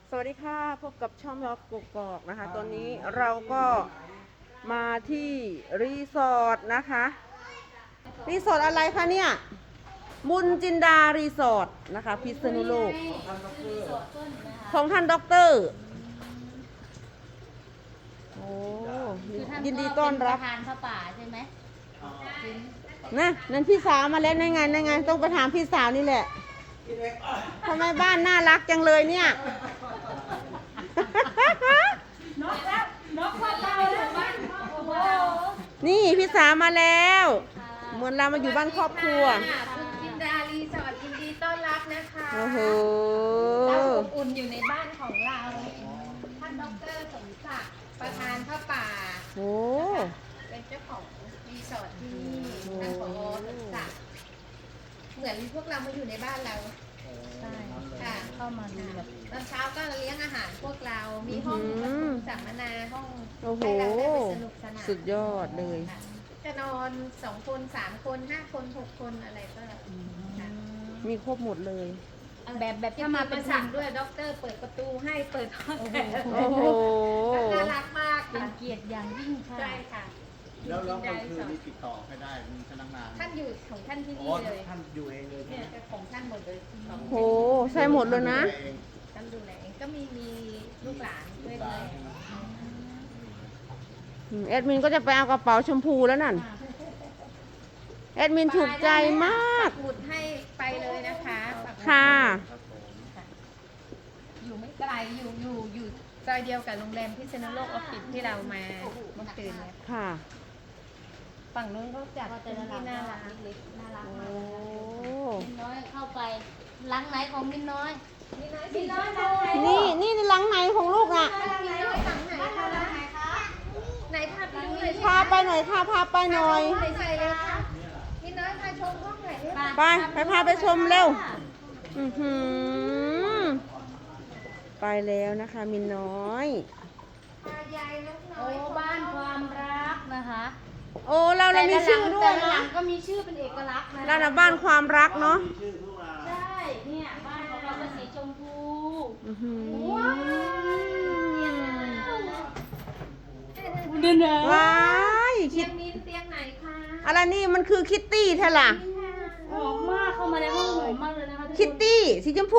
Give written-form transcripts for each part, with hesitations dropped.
สวัสดีค่ะพบกับช่องยอดกกอกนะคะตอนนี้เราก็มาที่รีสอร์ทนะคะรีสอร์ทอะไรคะเนี่ยบุญจินดารีสอร์ทนะคะพิษณุโลกของท่านด็อกเตอร์โอ้ยินดีต้อนรับประธานพระป่าใช่ไหมนะนั่นพี่สาวมาแล้วนั่นไงต้องไปถามพี่สาวนี่แหละทำไมบ้านน่ารักจังเลยเนี่ยนี่พี่สาวมาแล้วเหมือนเรามาอยู่บ้านครอบครัวคุณจินดารีสอร์ทยินดีต้อนรับนะคะโอ้โหเราอบอุ่นอยู่ในบ้านของเราท่านดร.สมศักดิ์ประธานพระป่าโอ้เป็นเจ้าของรีสอร์ทที่นี่ท่านผอ.สมศักดิ์เหมือนพวกเรามาอยู่ในบ้านเราใช่ค่ะเข้ามาดูแบบตอนเช้าก็เลี้ยงอาหารพวกเรา มีห้องประชุมสัมมนาห้องโอ้โหให้เราได้ไปสนุกสนานสุดยอดเลยจะนอน2 คน 3 คน 5 คน 6 คนอะไรก็ค่ะมีครบหมดเลยแบบถ้าถ้ามามาเป็เป็น นสั่สั่งงด้วยด็อกเตอร์เปิดประตูให้เปิดห้องแขกโอ้โหน่ารักมากเป็นค่ะเกียรติอย่างยิ่งค่ะใช่ค่ะแล้วกลางคืนนี่ติดต่อไม่ได้มีพนักงานท่านอยู่ของท่านที่อ๋อนี่เลยท่านอยู่เองเลยเนี่ยจะของท่านหมดเลยโหใช่หมดเลยนะท่านดูแลเองก็มีลูกหลานด้วยเลยแอดมินก็จะไปเอากระเป๋าชมพูแล้วนั่นแอดมินถูกใจมากปักหมุดให้ไปเลยนะคะปักหมุดค่ะอยู่ไม่ไกลอยู่ซอยเดียวกับโรงแรมพิษณุโลกออฟฟิศที่เรามาเมื่อคืนเนี่ยค่ะฝั่งนู้นเขาจัดก็จะเป็นน่าที่รักน่ารักเล็กๆน่ารักโอ้มากมินน้อยเข้าไปหลังไหนของมินน้อยมีน้อยหลังไหนนี่หลังไหนของลูกอ่ะมีน้อยหลังไหนคะไหนพาไปดูเลยพาไปหน่อยค่ะพาไปหน่อยใส่เลยค่ะมีน้อยพาชมห้องไหนเนี่ยไปพาไปชมเร็ว อือหือไปแล้วนะคะมินน้อยพายายนกน้โอ้อยบ้านความรักนะคะโอ้เรามีชื่อด้วยแต่ละหลันะงก็มีชื่อเป็นเอกลักษณ์นะร้านบ้านความรักเนาะมีชื่อทุกร้านใช่เนี่ยบ้านของเราเป็นสีชมพูอื้อหือดูนะว้ายคิเตียดงนี้เตียงไหนคะอะไรนี่มันคือคิตตี้แท้ล่ะหอมมากเข้ามาในห้องหอมมากเลยนะคะทุกคิตคนตี้สีชมพู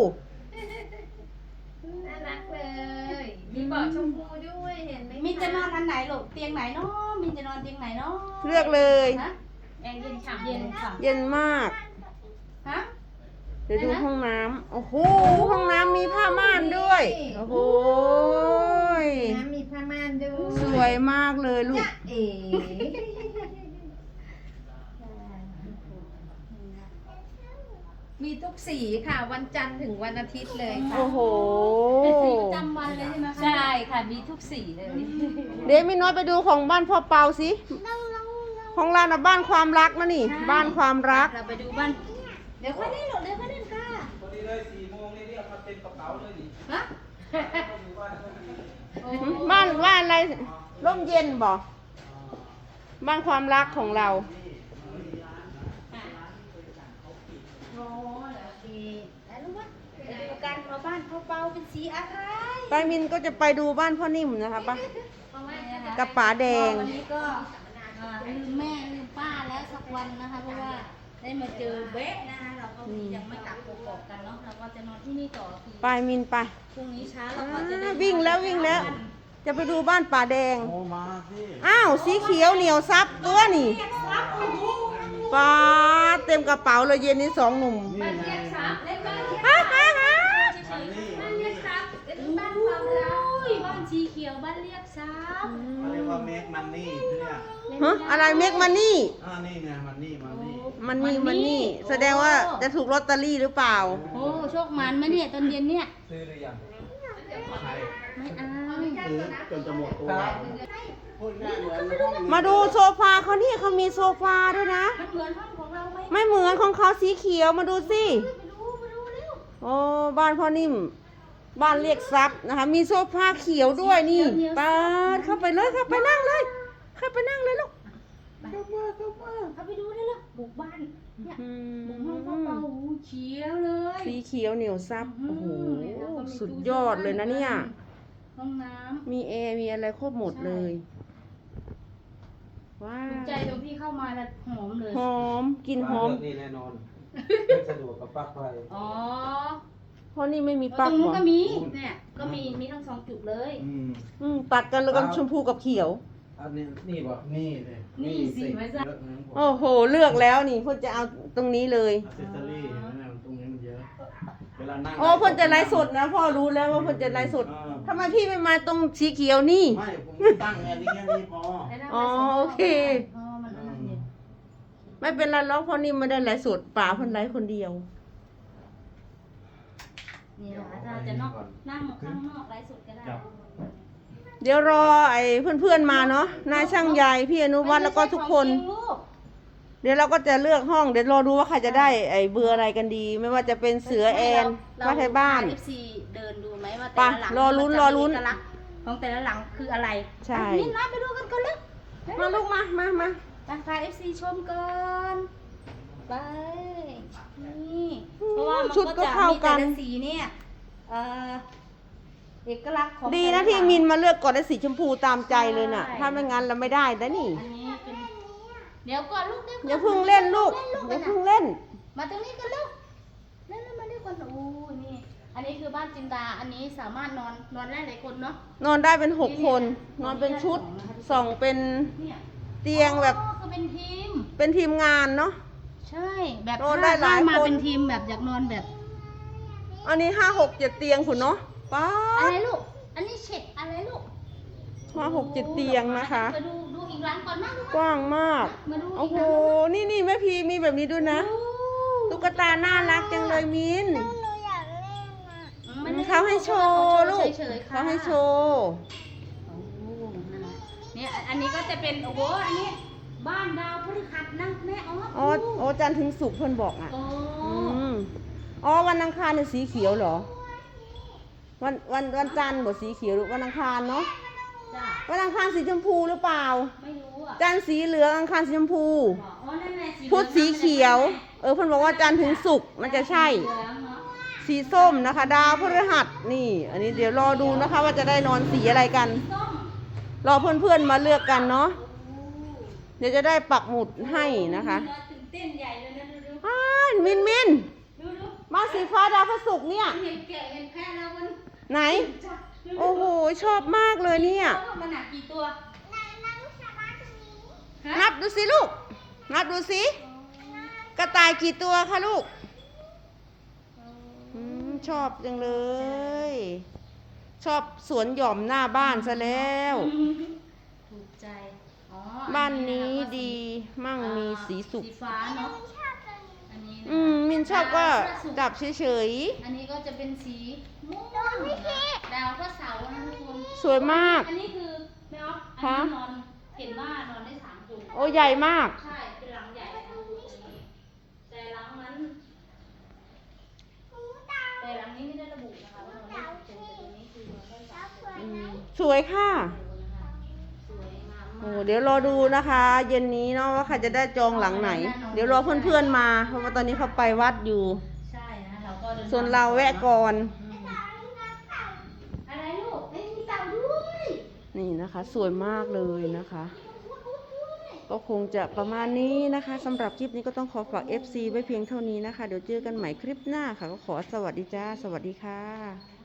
น่ารักเลย มีเบาะชมพูด้วยเห็นไหมคมินจะนอนอันไหนลูกเตียงไหนเนาะมินจะนอนเตียงไหนเนาะเลือกเลยฮะแอร์เย็นฉ่ำเย็นค่ะเย็นมากฮะเดี๋ยวดูห้องน้ำโอ้โหห้องน้ำมีผ้าม่านด้วยโอ้โหน้ำมีผ้าม่านด้วยสวยมากเลยลูกเอ๋มีทุกสีค่ะ วันจันทร์ถึงวันอาทิตย์เลยค่ะโอ้โหเป็นสีประจำวันเลยใช่ไหมคะใช่ค่ะมีทุกสีเลยเดี๋ยวมีน้อยไปดูของบ้านพ่อเปาสิของเราน่ะบ้านความรักนะนี่ บ้านความรักเราไปดูบ้านเดี๋ยวค่อยเล่นหรอกเดี๋ยวค่อยเล่นค่ะพอดีเลย4 โมงนี่เรียกมาเต็มกระเป๋าเลยนี่ฮะบ้านอะไรร่มเย็นบ่บ้านความรักของเราโอ้โอเคแล้วรู้ว่าไปดูกันว่าบ้านเขาเบาเป็นสีอะไรไปมินก็จะไปดูบ้านพ่อนิ่มนะคะปะนี่นะคะกับป๋าแดงวันนี้ก็ลืมแม่ลืมป้าแล้วสักวันนะคะเพราะว่าได้มาเจอเบ๊ะนะคะเราก็ยังไม่กลับกกอกกันเนาะเราก็จะนอนที่นี่ต่อคือไปมินไปพรุ่งนี้เช้าเราก็จะได้วิ่งแล้ว จะไปดูบ้านป่าแดงโอ้มาสิอ้าวสีเขียวเหนียวซับตัวนี่ปลาเต็มกระเป๋าเลยเย็นนี้2 หนุ่มนี่ไงฮ่าฮ่าฮ่ามันนี่บ้านเรียกทรัพย์เป็นบ้านความรักอุ้ยบ้านสีเขียวบ้านเรียกทรัพย์เขาเรียกว่าเมกมันนี่เนี่ยฮะอะไรเมกมันนี่นี่ไงมันนี่มันนี่แสดงว่าจะถูกลอตเตอรี่หรือเปล่าโอ้โชคมันไหมเนี่ยตอนเย็นเนี่ยซื้อหรือยังใช่ไม่เอาซื้อจนจะหมดตัวพูดง่ายเหมือนห้องมาดูโซฟาเขานี่เขามีโซฟาด้วยนะมันเหมือนห้องของเราไหมไม่เหมือนของเขาสีเขียวมาดูสิมาดูเร็วโอ้บ้านพ่อนิ่ม บ้านเรียกทรัพย์นะคะ มีโซฟาเขียวด้วยนี่เปิดเข้าไปเลยเข้าไปนั่งเลย เข้าไปนั่งเลยลูกเข้าไปดูได้แล้วบุกบ้านอืมบุ้งห้องก็เป่าเขียวเลยสีเขียวเหนียวซับโอ้โหสุดยอดเลยนะเนี่ยห้องน้มีแอร์มีอะไรครบหมดเลย ว้าำถูกใจวตรงที่เข้ามาแล้วหอมเลยหอมกลินหอมนี่แน่นอนไม่สะดวกกับปลั๊กไฟอ๋อเพราะนี่ไม่มีตปลั๊รกงนู้นหรก็อมีเนี่ยก็มีทั้งสองจุดเลยตัดกันแล้วก็ชมพูกับเขียวอันนี้นี่บ่นี่เลยนี่สิไว้ซะเยอะนะผมโอ้โห เลือกแล้วนี่เพ่นจะเอาตรงนี้เลยอัซเซสซอรี่เห็นไหมเนี่ยตรงนี้มันเยอะ เวลานั่งโอ้เพ่นจะไลฟ์สดนะพ่อรู้แล้วว่าเพ่นจะไลฟ์สดทำไมพี่ไม่มาตรงสีเขียวนี่ไม่ผมตั้งแค่นี้พออ๋อโอเคอ๋อมันอันนั้นเนี่ยไม่เป็นไรหรอกเพราะนี่ไม่ได้ไลฟ์สดป่าเพ่นไลฟ์คนเดียวนี่นะคะถ้าจะนอกนั่งข้างนอกไลฟ์สดก็ได้เดี๋ยวรอไอ้เพื่อนๆมาเนาะนายช่างใหญ่พี่อนุวัฒน์แล้วก็ทุกคนไม่ใช่ของจริงลูกเดี๋ยวเราก็จะเลือกห้องเดี๋ยวรอดูว่าใครจะได้ไอ้เบอร์อะไรกันดี ไม่ว่าจะเป็นเสือแอนว่าไทยบ้านเอฟซีเดินดูไหมว่าไปแต่ละหลังรอลุ้นมัจะรอลุ้นมีเอกลักษณ์ของแต่ละหลังคืออะไรใช่นี่นะไปดูกันก่อนเลยมาลูกมาไปมาพาเอฟซีชมก่อนไปนี่เพราะว่ามันชุดก็ก็จะเข้ามีกัแต่นละสีเนี่ยเอ่อเอกลักษณ์ของดีนะแต่ลที่หลังมินมาเลือกก่อนได้สีชมพูตามใจเลยน่ะใช่ถ้าไม่งั้นเราไม่ได้นะนี่อันนี้เป็นเดี๋ยวก่อนลูกอย่าเพึ่งเล่นลูกอย่าเพึ่งเล่นมาตรงนี้กันลูกเล่นมาด้วยกันโอ้ยนี่ อันนี้คือบ้านจินดาอันนี้สามารถนอนได้หลายคนเนาะนอนได้เป็น6 คน นอนเป็นชุดส่องเป็นเนี่ยเตียงแบบอ๋อคือเป็นทีมเป็นทีมงานเนาะใช่แบบนอนได้หลายถ้มาคนเป็นทีมแบบอยากนอนแบบอันนี้5 6 7 เตียงคุณเนาะป๊าอะไรดลูก อันนี้เช็ดอะไรลูก 5 6 7 เตียงนะคะมาดูอีกร้านก่อนนะลูกกว้างมากมาดูโอ้โหกร้านนี่แม่พีมีแบบนี้ด้วยนะ ตุ๊กตาน่ารักจังเลยมินมันไม่ได้เขาให้โชว์ลูกเฉยๆค่ะเขาให้โชว์โอ้นั่นน่ะเนี่ยอันนี้ก็จะเป็นโอ้โหอันนี้บ้านดาวพฤหัสนะแม่อ๋อ๋อจันทร์ถึงศุกร์เพิ่นบอกอ่ะโอ้มอ๋อวันอังคารเนี่ยสีเขียวเหรอ วันจันทร์บอกสีเขียวหรือวันอังคารเนาะจ้ะวันอังคารสีชมพูหรือเปล่าไม่รู้อ่ะจันทร์สีเหลืองอังคารสีชมพูอ๋อนั่นไงสีพุธสีเขียว เพิ่นบอกว่าจันทร์ถึงศุกร์มันจะใช่เหลืองเนาะสีส้มนะคะ ดาวพฤหัสนี่ อันนี้เดี๋ยวรอดูนะคะ ว่าจะได้นอนสีอะไรกันส้มรอเพื่อนๆมาเลือกกันเนาะ เดี๋ยวจะได้ปักหมุดให้นะคะตื่นเต้นใหญ่เลยนะดูอ้าวมินดูมาสีฟ้าดาวพฤศุกร์เนี่ยเห็นแกะเห็นแพะแล้วมันไหน โอ้โห ชอบมากเลยเนี่ยมันหนักกี่ตัวฮะนับดูสิลูก นับดูสิ กระต่ายกี่ตัวคะลูกชอบจังเลย ชอบสวนหย่อมหน้าบ้านซะแล้วถูกใจอ๋อบ้านนี้ดีมั่งมีสีสุขสีฟ้าเนาะอันนี้นะมินชอบก็จับเฉยอันนี้ก็จะเป็นสีม่วงดาวพระเสาร์นะทุกคนๆ สวยมากอันนี้คือแม่ออฟฮะอันนี้นอนเห็นว่านอนได้3 คนโอ้ใหญ่มากใช่ เป็นหลังใหญ่นะดูตรงนี้แต่หลังนั้นแต่หลังนี้ไม่ได้ระบุนะคะว่านอนได้กี่คนแต่ตรงนี้คือนอนได้3 คนสวยค่ะสวยงามโอ้มากเดี๋ยวรอดูนะคะ เย็นนี้เนาะว่าใครจะได้จองหลังไหน เดี๋ยวรอเพื่อนๆมา เพราะว่าตอนนี้เขาไปวัดอยู่ใช่นะเราก็ดิทงส่วนเราแวะก่อนอะไรลูกไม่มีเต่าด้วยนี่นะคะ สวยมากเลยนะคะ ก็คงจะประมาณนี้นะคะสำหรับคลิปนี้ก็ต้องขอฝาก FC ไว้เพียงเท่านี้นะคะ เดี๋ยวเจอกันใหม่คลิปหน้าค่ะ ก็ขอสวัสดีจ้า สวัสดีค่ะ